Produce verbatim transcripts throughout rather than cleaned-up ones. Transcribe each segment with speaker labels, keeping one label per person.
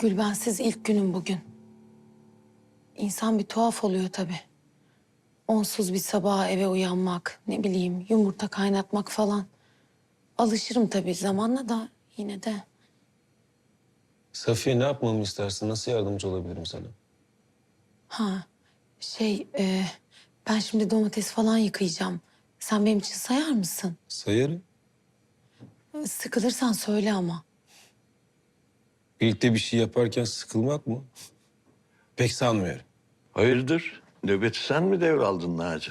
Speaker 1: Gülbensiz ilk günüm bugün. İnsan bir tuhaf oluyor tabii. Onsuz bir sabaha eve uyanmak, ne bileyim yumurta kaynatmak falan. Alışırım tabii zamanla da yine de.
Speaker 2: Safiye ne yapmamı istersin? Nasıl yardımcı olabilirim sana?
Speaker 1: Ha şey e, ben şimdi domates falan yıkayacağım. Sen benim için sayar mısın?
Speaker 2: Sayarım.
Speaker 1: Sıkılırsan söyle ama.
Speaker 2: Birlikte bir şey yaparken sıkılmak mı? Pek sanmıyorum.
Speaker 3: Hayırdır? Nöbeti sen mi devraldın Naci?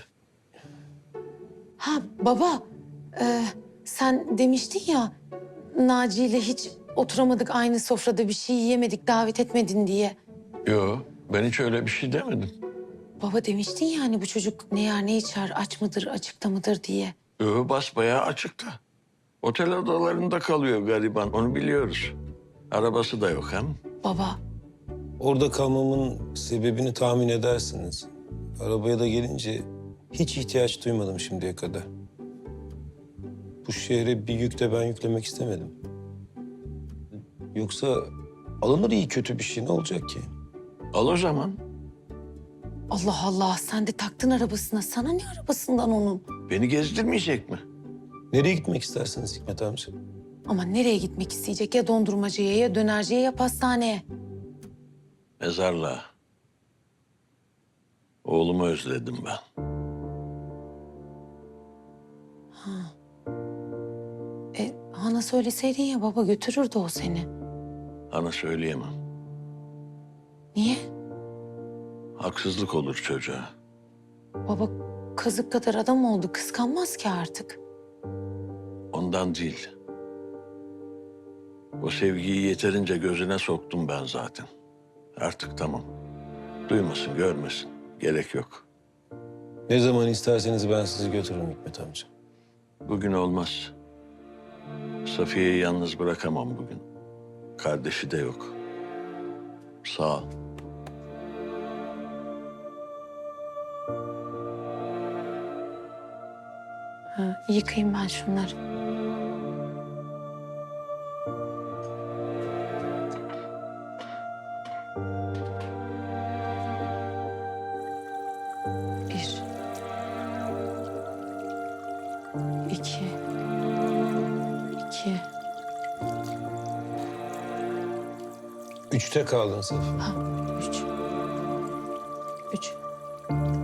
Speaker 1: Ha baba, e, sen demiştin ya Naci ile hiç oturamadık aynı sofrada bir şey yiyemedik davet etmedin diye.
Speaker 3: Yo, ben hiç öyle bir şey demedim.
Speaker 1: Baba demiştin ya hani bu çocuk ne yer ne içer aç mıdır açıkta mıdır diye.
Speaker 3: Yo, basbayağı açıkta. Otel odalarında kalıyor gariban, onu biliyoruz. Arabası da yok hem.
Speaker 1: Baba
Speaker 2: Orada kalmamın sebebini tahmin edersiniz. Arabaya da gelince hiç ihtiyaç duymadım şimdiye kadar. Bu şehre bir yük de ben yüklemek istemedim. Yoksa alınır iyi kötü bir şey ne olacak ki?
Speaker 3: Al o zaman.
Speaker 1: Allah Allah sen de taktın arabasına. Sana ne arabasından onun?
Speaker 3: Beni gezdirmeyecek mi?
Speaker 2: Nereye gitmek istersiniz Hikmet amca?
Speaker 1: Ama nereye gitmek isteyecek? Ya dondurmacıya ya dönerciye ya pastaneye.
Speaker 3: Mezarlığa. Oğlumu özledim ben.
Speaker 1: E Hana söyleseydin ya baba götürürdü o seni.
Speaker 3: Ana söyleyemem.
Speaker 1: Niye?
Speaker 3: Haksızlık olur çocuğa.
Speaker 1: Baba kazık kadar adam oldu. Kıskanmaz ki artık.
Speaker 3: Ondan değil. O sevgiyi yeterince gözüne soktum ben zaten. Artık tamam. Duymasın, görmesin. Gerek yok.
Speaker 2: Ne zaman isterseniz ben sizi götürürüm Hikmet amca.
Speaker 3: Bugün olmaz. Safiye'yi yalnız bırakamam bugün. Kardeşi de yok. Sağ ol.
Speaker 1: Ha, yıkayayım ben şunları. Bir. İki. İki.
Speaker 2: Üçte kaldın Safiye.
Speaker 1: Ha, üç. Üç.